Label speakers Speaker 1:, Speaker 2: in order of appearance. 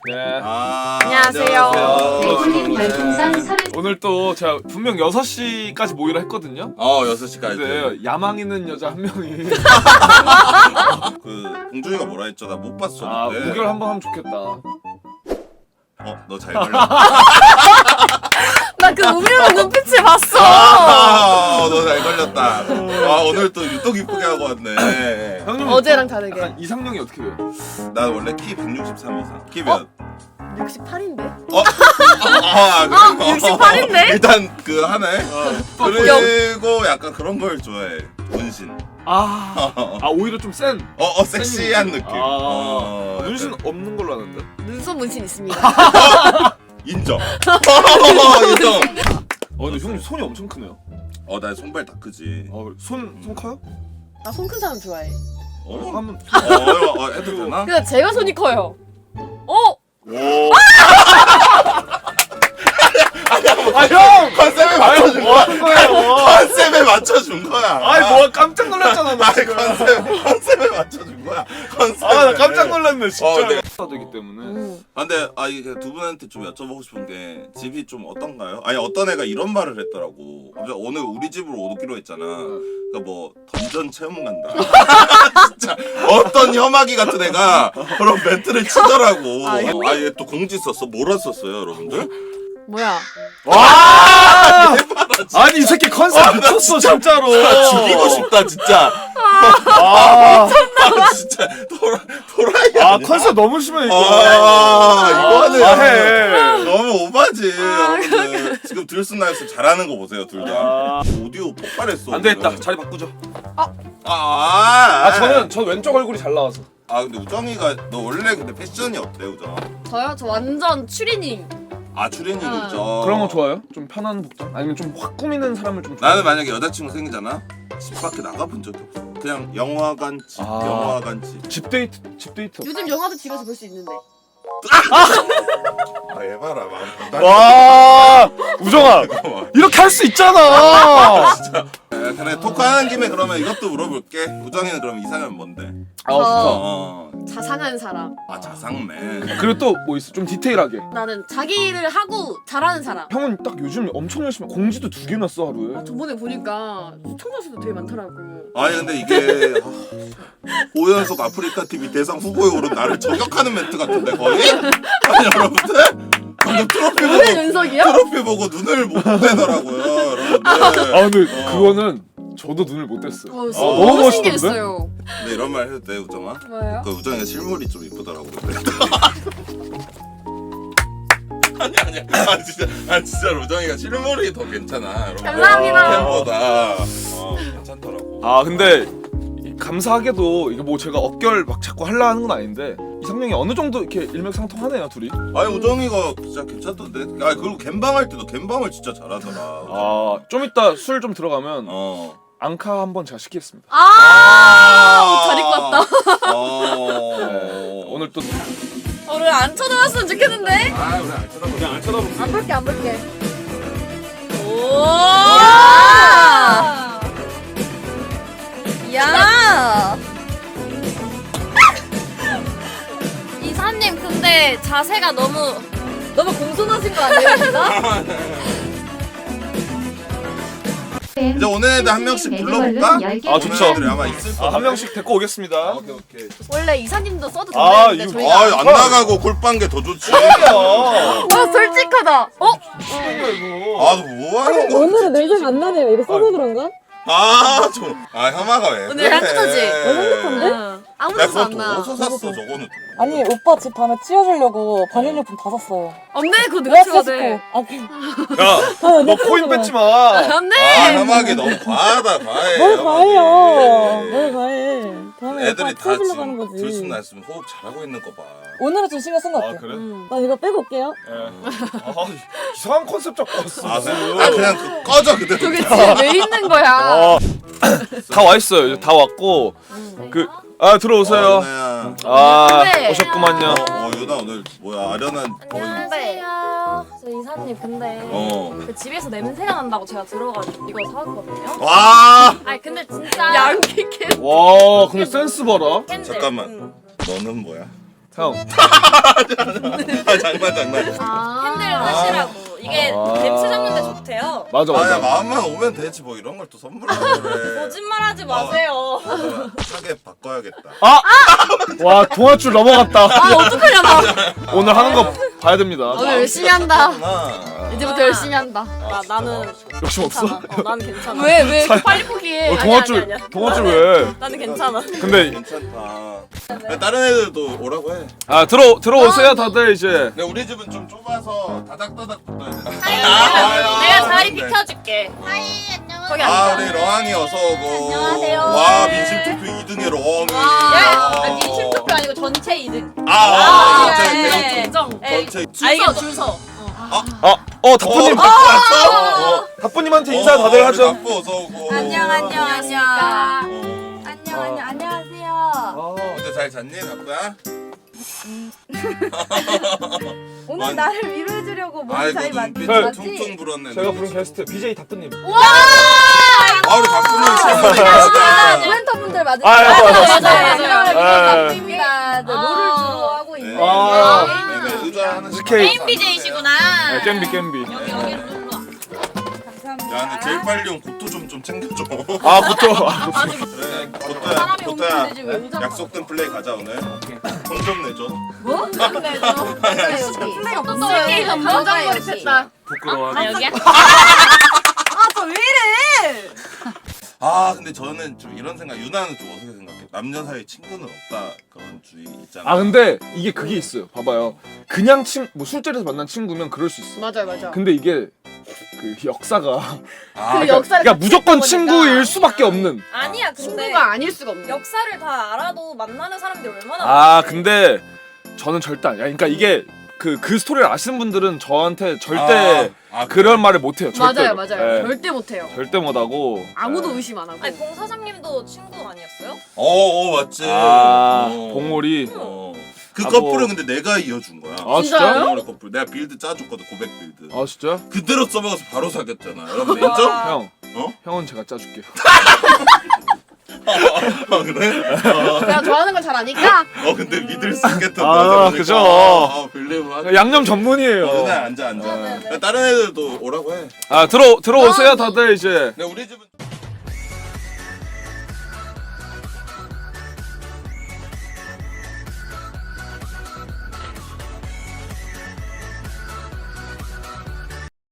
Speaker 1: 네.
Speaker 2: 안녕하세요.
Speaker 1: 오늘 또 제가 분명 6시까지 모이라 했거든요.
Speaker 3: 6시까지.
Speaker 1: 근데 야망 있는 여자 한 명이
Speaker 3: 그 봉준이가 뭐라 했죠? 나 못 봤어. 근데.
Speaker 1: 우결 한번 하면 좋겠다.
Speaker 3: 너 잘 걸렸다.
Speaker 2: 나 그 우미는 눈빛을 봤어.
Speaker 3: 너 잘 걸렸다. 오늘 또 유독 이쁘게 하고 왔네.
Speaker 1: 형님
Speaker 2: 어제랑 다르게.
Speaker 1: 약간 이상형이 어떻게 돼요?
Speaker 3: 난 원래 키 163 이상. 키 몇?
Speaker 2: 68인데?
Speaker 3: 68인데? 일단 그 하네. 그리고 약간 그런 걸 좋아해. 문신.
Speaker 1: 오히려 좀 센.
Speaker 3: 섹시한 느낌.
Speaker 1: 문신 없는 걸로 아는데.
Speaker 2: 눈썹 문신 있습니다.
Speaker 3: 인정. 인정.
Speaker 1: 근데 형님 손이 엄청 크네요.
Speaker 3: 나 손발 다 크지.
Speaker 1: 손 커요?
Speaker 2: 나 손 큰 사람 좋아해.
Speaker 1: 한번
Speaker 3: 해도 되나?
Speaker 2: 근데 제가 손이 커요.
Speaker 3: 오.
Speaker 1: 형!
Speaker 3: 컨셉에 맞춰준
Speaker 1: 뭐 하는 거예요?
Speaker 3: 컨셉에 맞춰준 거야.
Speaker 1: 뭐 깜짝 놀랐잖아 나 지금.
Speaker 3: 컨셉에 맞춰준 거야.
Speaker 1: 나 깜짝 놀랐네 진짜.
Speaker 3: 내가
Speaker 1: 되기 때문에.
Speaker 3: 근데 이게 두 분한테 좀 여쭤보고 싶은 게 집이 좀 어떤가요? 아니 어떤 애가 이런 말을 했더라고. 갑자기 오늘 우리 집으로 오기로 했잖아. 그러니까 뭐 던전 체험 간다. 진짜 어떤 혐하기 같은 애가 그런 멘트를 치더라고. 얘 또 공지 썼어. 뭐라 썼어요, 여러분들?
Speaker 2: 뭐야?
Speaker 1: 와! 아니 이 새끼 컨셉 미쳤어 진짜로.
Speaker 3: 죽이고 싶다 진짜. 진짜 도라이야.
Speaker 1: 컨셉 너무 심해 이거.
Speaker 3: 이거는
Speaker 1: 해.
Speaker 3: 너무 오바지. 여러분들 지금 들순나에서 잘하는 거 보세요, 둘 다. 오디오 폭발했어.
Speaker 1: 안 되겠다. 자리 바꾸죠. 전 왼쪽 얼굴이 잘 나와서.
Speaker 3: 근데 우정이가 너 원래 근데 패션이 어때, 우정아?
Speaker 2: 저요? 저 완전 추리닝.
Speaker 3: 추리닝이죠.
Speaker 1: 그런 거 좋아요? 좀 편한 복장? 아니면 좀 확 꾸미는 사람을 좀 좋아해요?
Speaker 3: 나는 만약에 여자친구 생기잖아. 집 밖에 나가본 적이 없어. 그냥 영화관 집, 영화관 집.
Speaker 1: 집 데이트.
Speaker 2: 요즘 영화도 집에서 볼 수 있는데.
Speaker 3: 얘 봐라, 마음.
Speaker 1: 와, 우정아, 이렇게 할 수 있잖아.
Speaker 3: 그래, 토크하는 김에 그러면 이것도 물어볼게. 우정이는 그럼 이상형 뭔데?
Speaker 2: 자상한 사람.
Speaker 3: 자상맨.
Speaker 1: 그리고 또 뭐 있어? 좀 디테일하게.
Speaker 2: 나는 자기 일을 하고 잘하는 사람.
Speaker 1: 형은 딱 요즘 엄청 열심히 공지도 2개나 써 하루에.
Speaker 2: 저번에 보니까 시청자 수도 되게 많더라고.
Speaker 3: 아니 근데 이게 오연석 아프리카 TV 대상 후보에 오른 나를 저격하는 멘트 같은데 거의? 아니 여러분들 방금 트로피 보고 눈을 못 떼더라고요 여러분들.
Speaker 1: 근데 그거는 저도 눈을 못 뗐어요.
Speaker 2: 너무
Speaker 1: 멋있던데?
Speaker 2: 신기했어요.
Speaker 3: 근데 이런 말 해도 돼, 우정아?
Speaker 2: 뭐예요?
Speaker 3: 그 우정이가 실물이 좀 이쁘더라고. 근데. 아니야. 진짜 우정이가 실물이 더 괜찮아. 여러분들.
Speaker 2: 감사합니다.
Speaker 3: 캠보다 괜찮더라고.
Speaker 1: 근데 감사하게도 이게 뭐 제가 어결 막 자꾸 하려 하는 건 아닌데 이상형이 어느 정도 이렇게 일맥상통하네요 둘이.
Speaker 3: 우정이가 진짜 괜찮던데. 그리고 갬방할 때도 갬방을 진짜 잘하더라.
Speaker 1: 좀 이따 술 좀 들어가면 앙카 한번 제가 시키겠습니다.
Speaker 2: 옷 잘 입고 왔다.
Speaker 1: 오늘 또
Speaker 2: 우리 안 쳐다봤으면 좋겠는데?
Speaker 3: 우리 안 쳐다보자. 그냥 안 쳐다보자.
Speaker 2: 안 볼게. 야! 이사님 근데 자세가 너무 공손하신 거 아니에요, 진짜?
Speaker 3: 이제 오는 애들 한 명씩 불러볼까?
Speaker 1: 좋죠.
Speaker 3: 애들이 아마 있을 거야.
Speaker 1: 한 명씩 데리고 오겠습니다.
Speaker 3: 오케이.
Speaker 2: 원래 이사님도 써도 된다는데
Speaker 1: 이거-
Speaker 2: 저희가
Speaker 3: 안 나가고 골빵 게 더 좋지.
Speaker 2: 솔직하다.
Speaker 3: 너 뭐 하는 거야?
Speaker 4: 오늘은 냄새가 안 나네요. 이거 써서 그런가?
Speaker 3: 혐아가 왜?
Speaker 2: 오늘 향긋하지?
Speaker 4: 행복한데?
Speaker 2: 아무
Speaker 3: 야,
Speaker 2: 데서 안
Speaker 3: 그거
Speaker 2: 나.
Speaker 3: 어디서 샀어, 저거는?
Speaker 4: 아니 오빠 집 밤에 치워주려고 방역용품 다 샀어요.
Speaker 2: 안 돼, 그거 누가 쳐야 돼.
Speaker 1: 야, 너 코인 뺏지 마.
Speaker 2: 안 돼.
Speaker 3: 혐아기 너무 과하다, 과해.
Speaker 4: 뭘
Speaker 3: 혐아기.
Speaker 4: 과해요. 뭘 과해. 다음에
Speaker 3: 애들이
Speaker 4: 오빠
Speaker 3: 다
Speaker 4: 치워주려고 하는
Speaker 3: 지금
Speaker 4: 거지.
Speaker 3: 들숨 날숨 호흡 잘하고 있는 거 봐.
Speaker 4: 오늘은 좀 신경 쓴 것 같아.
Speaker 1: 그래?
Speaker 4: 난 이거 빼고 올게요.
Speaker 1: 이상한 컨셉 잡고 왔어.
Speaker 3: 그냥 꺼져 그대로.
Speaker 2: 저게 집에 왜 있는 거야?
Speaker 1: 다 와 있어요. 이제 다 왔고 들어오세요.
Speaker 2: 네.
Speaker 1: 오셨구만요.
Speaker 3: 유나 오늘 뭐야 아련한 거의.
Speaker 5: 안녕하세요. 저 이사님 근데 그 집에서 냄새가 난다고 제가 들어가지고 이거 사왔거든요.
Speaker 3: 와
Speaker 5: 아니 근데 진짜
Speaker 2: 양키 캔.
Speaker 1: 와, 근데 센스 봐라.
Speaker 5: 캔들.
Speaker 3: 잠깐만. 너는 뭐야?
Speaker 1: 형.
Speaker 3: 장난.
Speaker 5: 핸들 하시라고. 이게 냄새 잡는데 좋대요.
Speaker 1: 맞아
Speaker 3: 아야
Speaker 1: 맞아.
Speaker 3: 마음만 오면 되지 뭐 이런 걸 또 선물하고 그래.
Speaker 5: 거짓말하지 마세요.
Speaker 3: 하게 바꿔야겠다.
Speaker 1: 와 동아줄 넘어갔다.
Speaker 2: 아 어떡하냐 나.
Speaker 1: 오늘 하는 거 봐야 됩니다.
Speaker 2: 오늘 열심히 한다.
Speaker 3: 아,
Speaker 2: 이제부터 열심히 한다.
Speaker 5: 나는
Speaker 1: 욕심 없어?
Speaker 5: 괜찮아. 나는 괜찮아.
Speaker 2: 왜 빨리 포기해?
Speaker 1: 동아줄 동아줄 왜?
Speaker 5: 나는 괜찮아.
Speaker 1: 근데
Speaker 3: 괜찮다. 야, 다른 애들도 오라고 해.
Speaker 1: 들어오세요 다들 이제.
Speaker 3: 근데 우리 집은 좀 좁아서 다닥다닥 붙어야 돼.
Speaker 5: 내가 자리
Speaker 3: 네.
Speaker 5: 비켜줄게. 거기
Speaker 3: 아
Speaker 5: 앉아.
Speaker 3: 우리 러항이 어서 오고.
Speaker 5: 안녕하세요.
Speaker 3: 와 민심 투표 2등의 러항이.
Speaker 2: 민심 투표 아니고 전체 2등.
Speaker 3: 전체
Speaker 5: 인정.
Speaker 3: 전체.
Speaker 5: 줄 서.
Speaker 1: 다뿌님. 다뿌님한테 인사 다들
Speaker 3: 우리
Speaker 1: 하죠.
Speaker 3: 다뿌 어서 오고.
Speaker 2: 안녕.
Speaker 5: 안녕하세요.
Speaker 3: 어제 잘 잤니 다뿌야?
Speaker 6: 오늘 나를 위로해주려고 몸
Speaker 3: 아이고
Speaker 6: 잘
Speaker 3: 눈빛
Speaker 6: 만들었지?
Speaker 3: 퉁퉁 불었네.
Speaker 1: 제가 부른 게스트 BJ 다뿌님.
Speaker 3: 아 우리 다뿌는 실물이다.
Speaker 6: 멘토분들 맞으세요?
Speaker 1: 맞아요.
Speaker 6: 입니다. 롤을 주로 하고 있는
Speaker 3: 의자 하나씩.
Speaker 1: 게임
Speaker 5: BJ시구나.
Speaker 1: 겜비.
Speaker 5: 여기 룰루.
Speaker 3: 야 근데 제일 빨리 온 고토 좀 챙겨줘.
Speaker 1: 그쵸.
Speaker 3: 그래 고토야 약속된 플레이 가자 오늘. 돈 좀 내줘.
Speaker 6: 플레이 없어요.
Speaker 2: 게임 감정몰입했다.
Speaker 1: 부끄러워.
Speaker 5: 여기야?
Speaker 6: 왜 이래?
Speaker 3: 아 근데 저는 좀 이런 생각. 유나는 좀 어떻게 생각해? 남녀 사이에 친구는 없다 그런 주의 있잖아.
Speaker 1: 근데 이게 그게 있어요. 봐봐요. 그냥 뭐 술자리에서 만난 친구면 그럴 수 있어.
Speaker 2: 맞아.
Speaker 1: 근데 이게 그 역사가
Speaker 2: 그 역사를
Speaker 1: 그러니까
Speaker 2: 같이
Speaker 1: 무조건
Speaker 2: 해보니까.
Speaker 1: 친구일 수밖에 없는.
Speaker 5: 아니야 근데
Speaker 2: 친구가 아닐 수가 없네.
Speaker 5: 역사를 다 알아도 만나는 사람들이 얼마나 많은데.
Speaker 1: 근데 저는 절대 아니야. 그러니까 이게 그 스토리를 아시는 분들은 저한테 절대 그런 말을 못 해요. 절대로.
Speaker 2: 맞아요.
Speaker 1: 예.
Speaker 2: 절대 못해요.
Speaker 1: 절대 못 하고.
Speaker 2: 아무도 의심 안 하고.
Speaker 5: 아니 봉사장님도 친구 아니었어요?
Speaker 3: 맞지.
Speaker 1: 봉오리.
Speaker 3: 그
Speaker 1: 뭐.
Speaker 3: 커플은 근데 내가 이어준 거야.
Speaker 1: 진짜요?
Speaker 3: 봉오리 커플. 내가 빌드 짜줬거든. 고백 빌드.
Speaker 1: 진짜?
Speaker 3: 그대로 써먹어서 바로 사귀었잖아. 여러분 인정?
Speaker 1: 형.
Speaker 3: 어?
Speaker 1: 형은 제가 짜줄게요.
Speaker 3: 그래?
Speaker 2: 내가 좋아하는 걸 잘 아니까.
Speaker 3: 근데 믿을 수 있겠다.
Speaker 1: 그죠.
Speaker 3: 빌리브
Speaker 1: 양념 전문이에요.
Speaker 3: 누나 앉아. 야, 다른 애들도 오라고 해.
Speaker 1: 들어오세요 다들 이제.
Speaker 3: 근데 우리 집은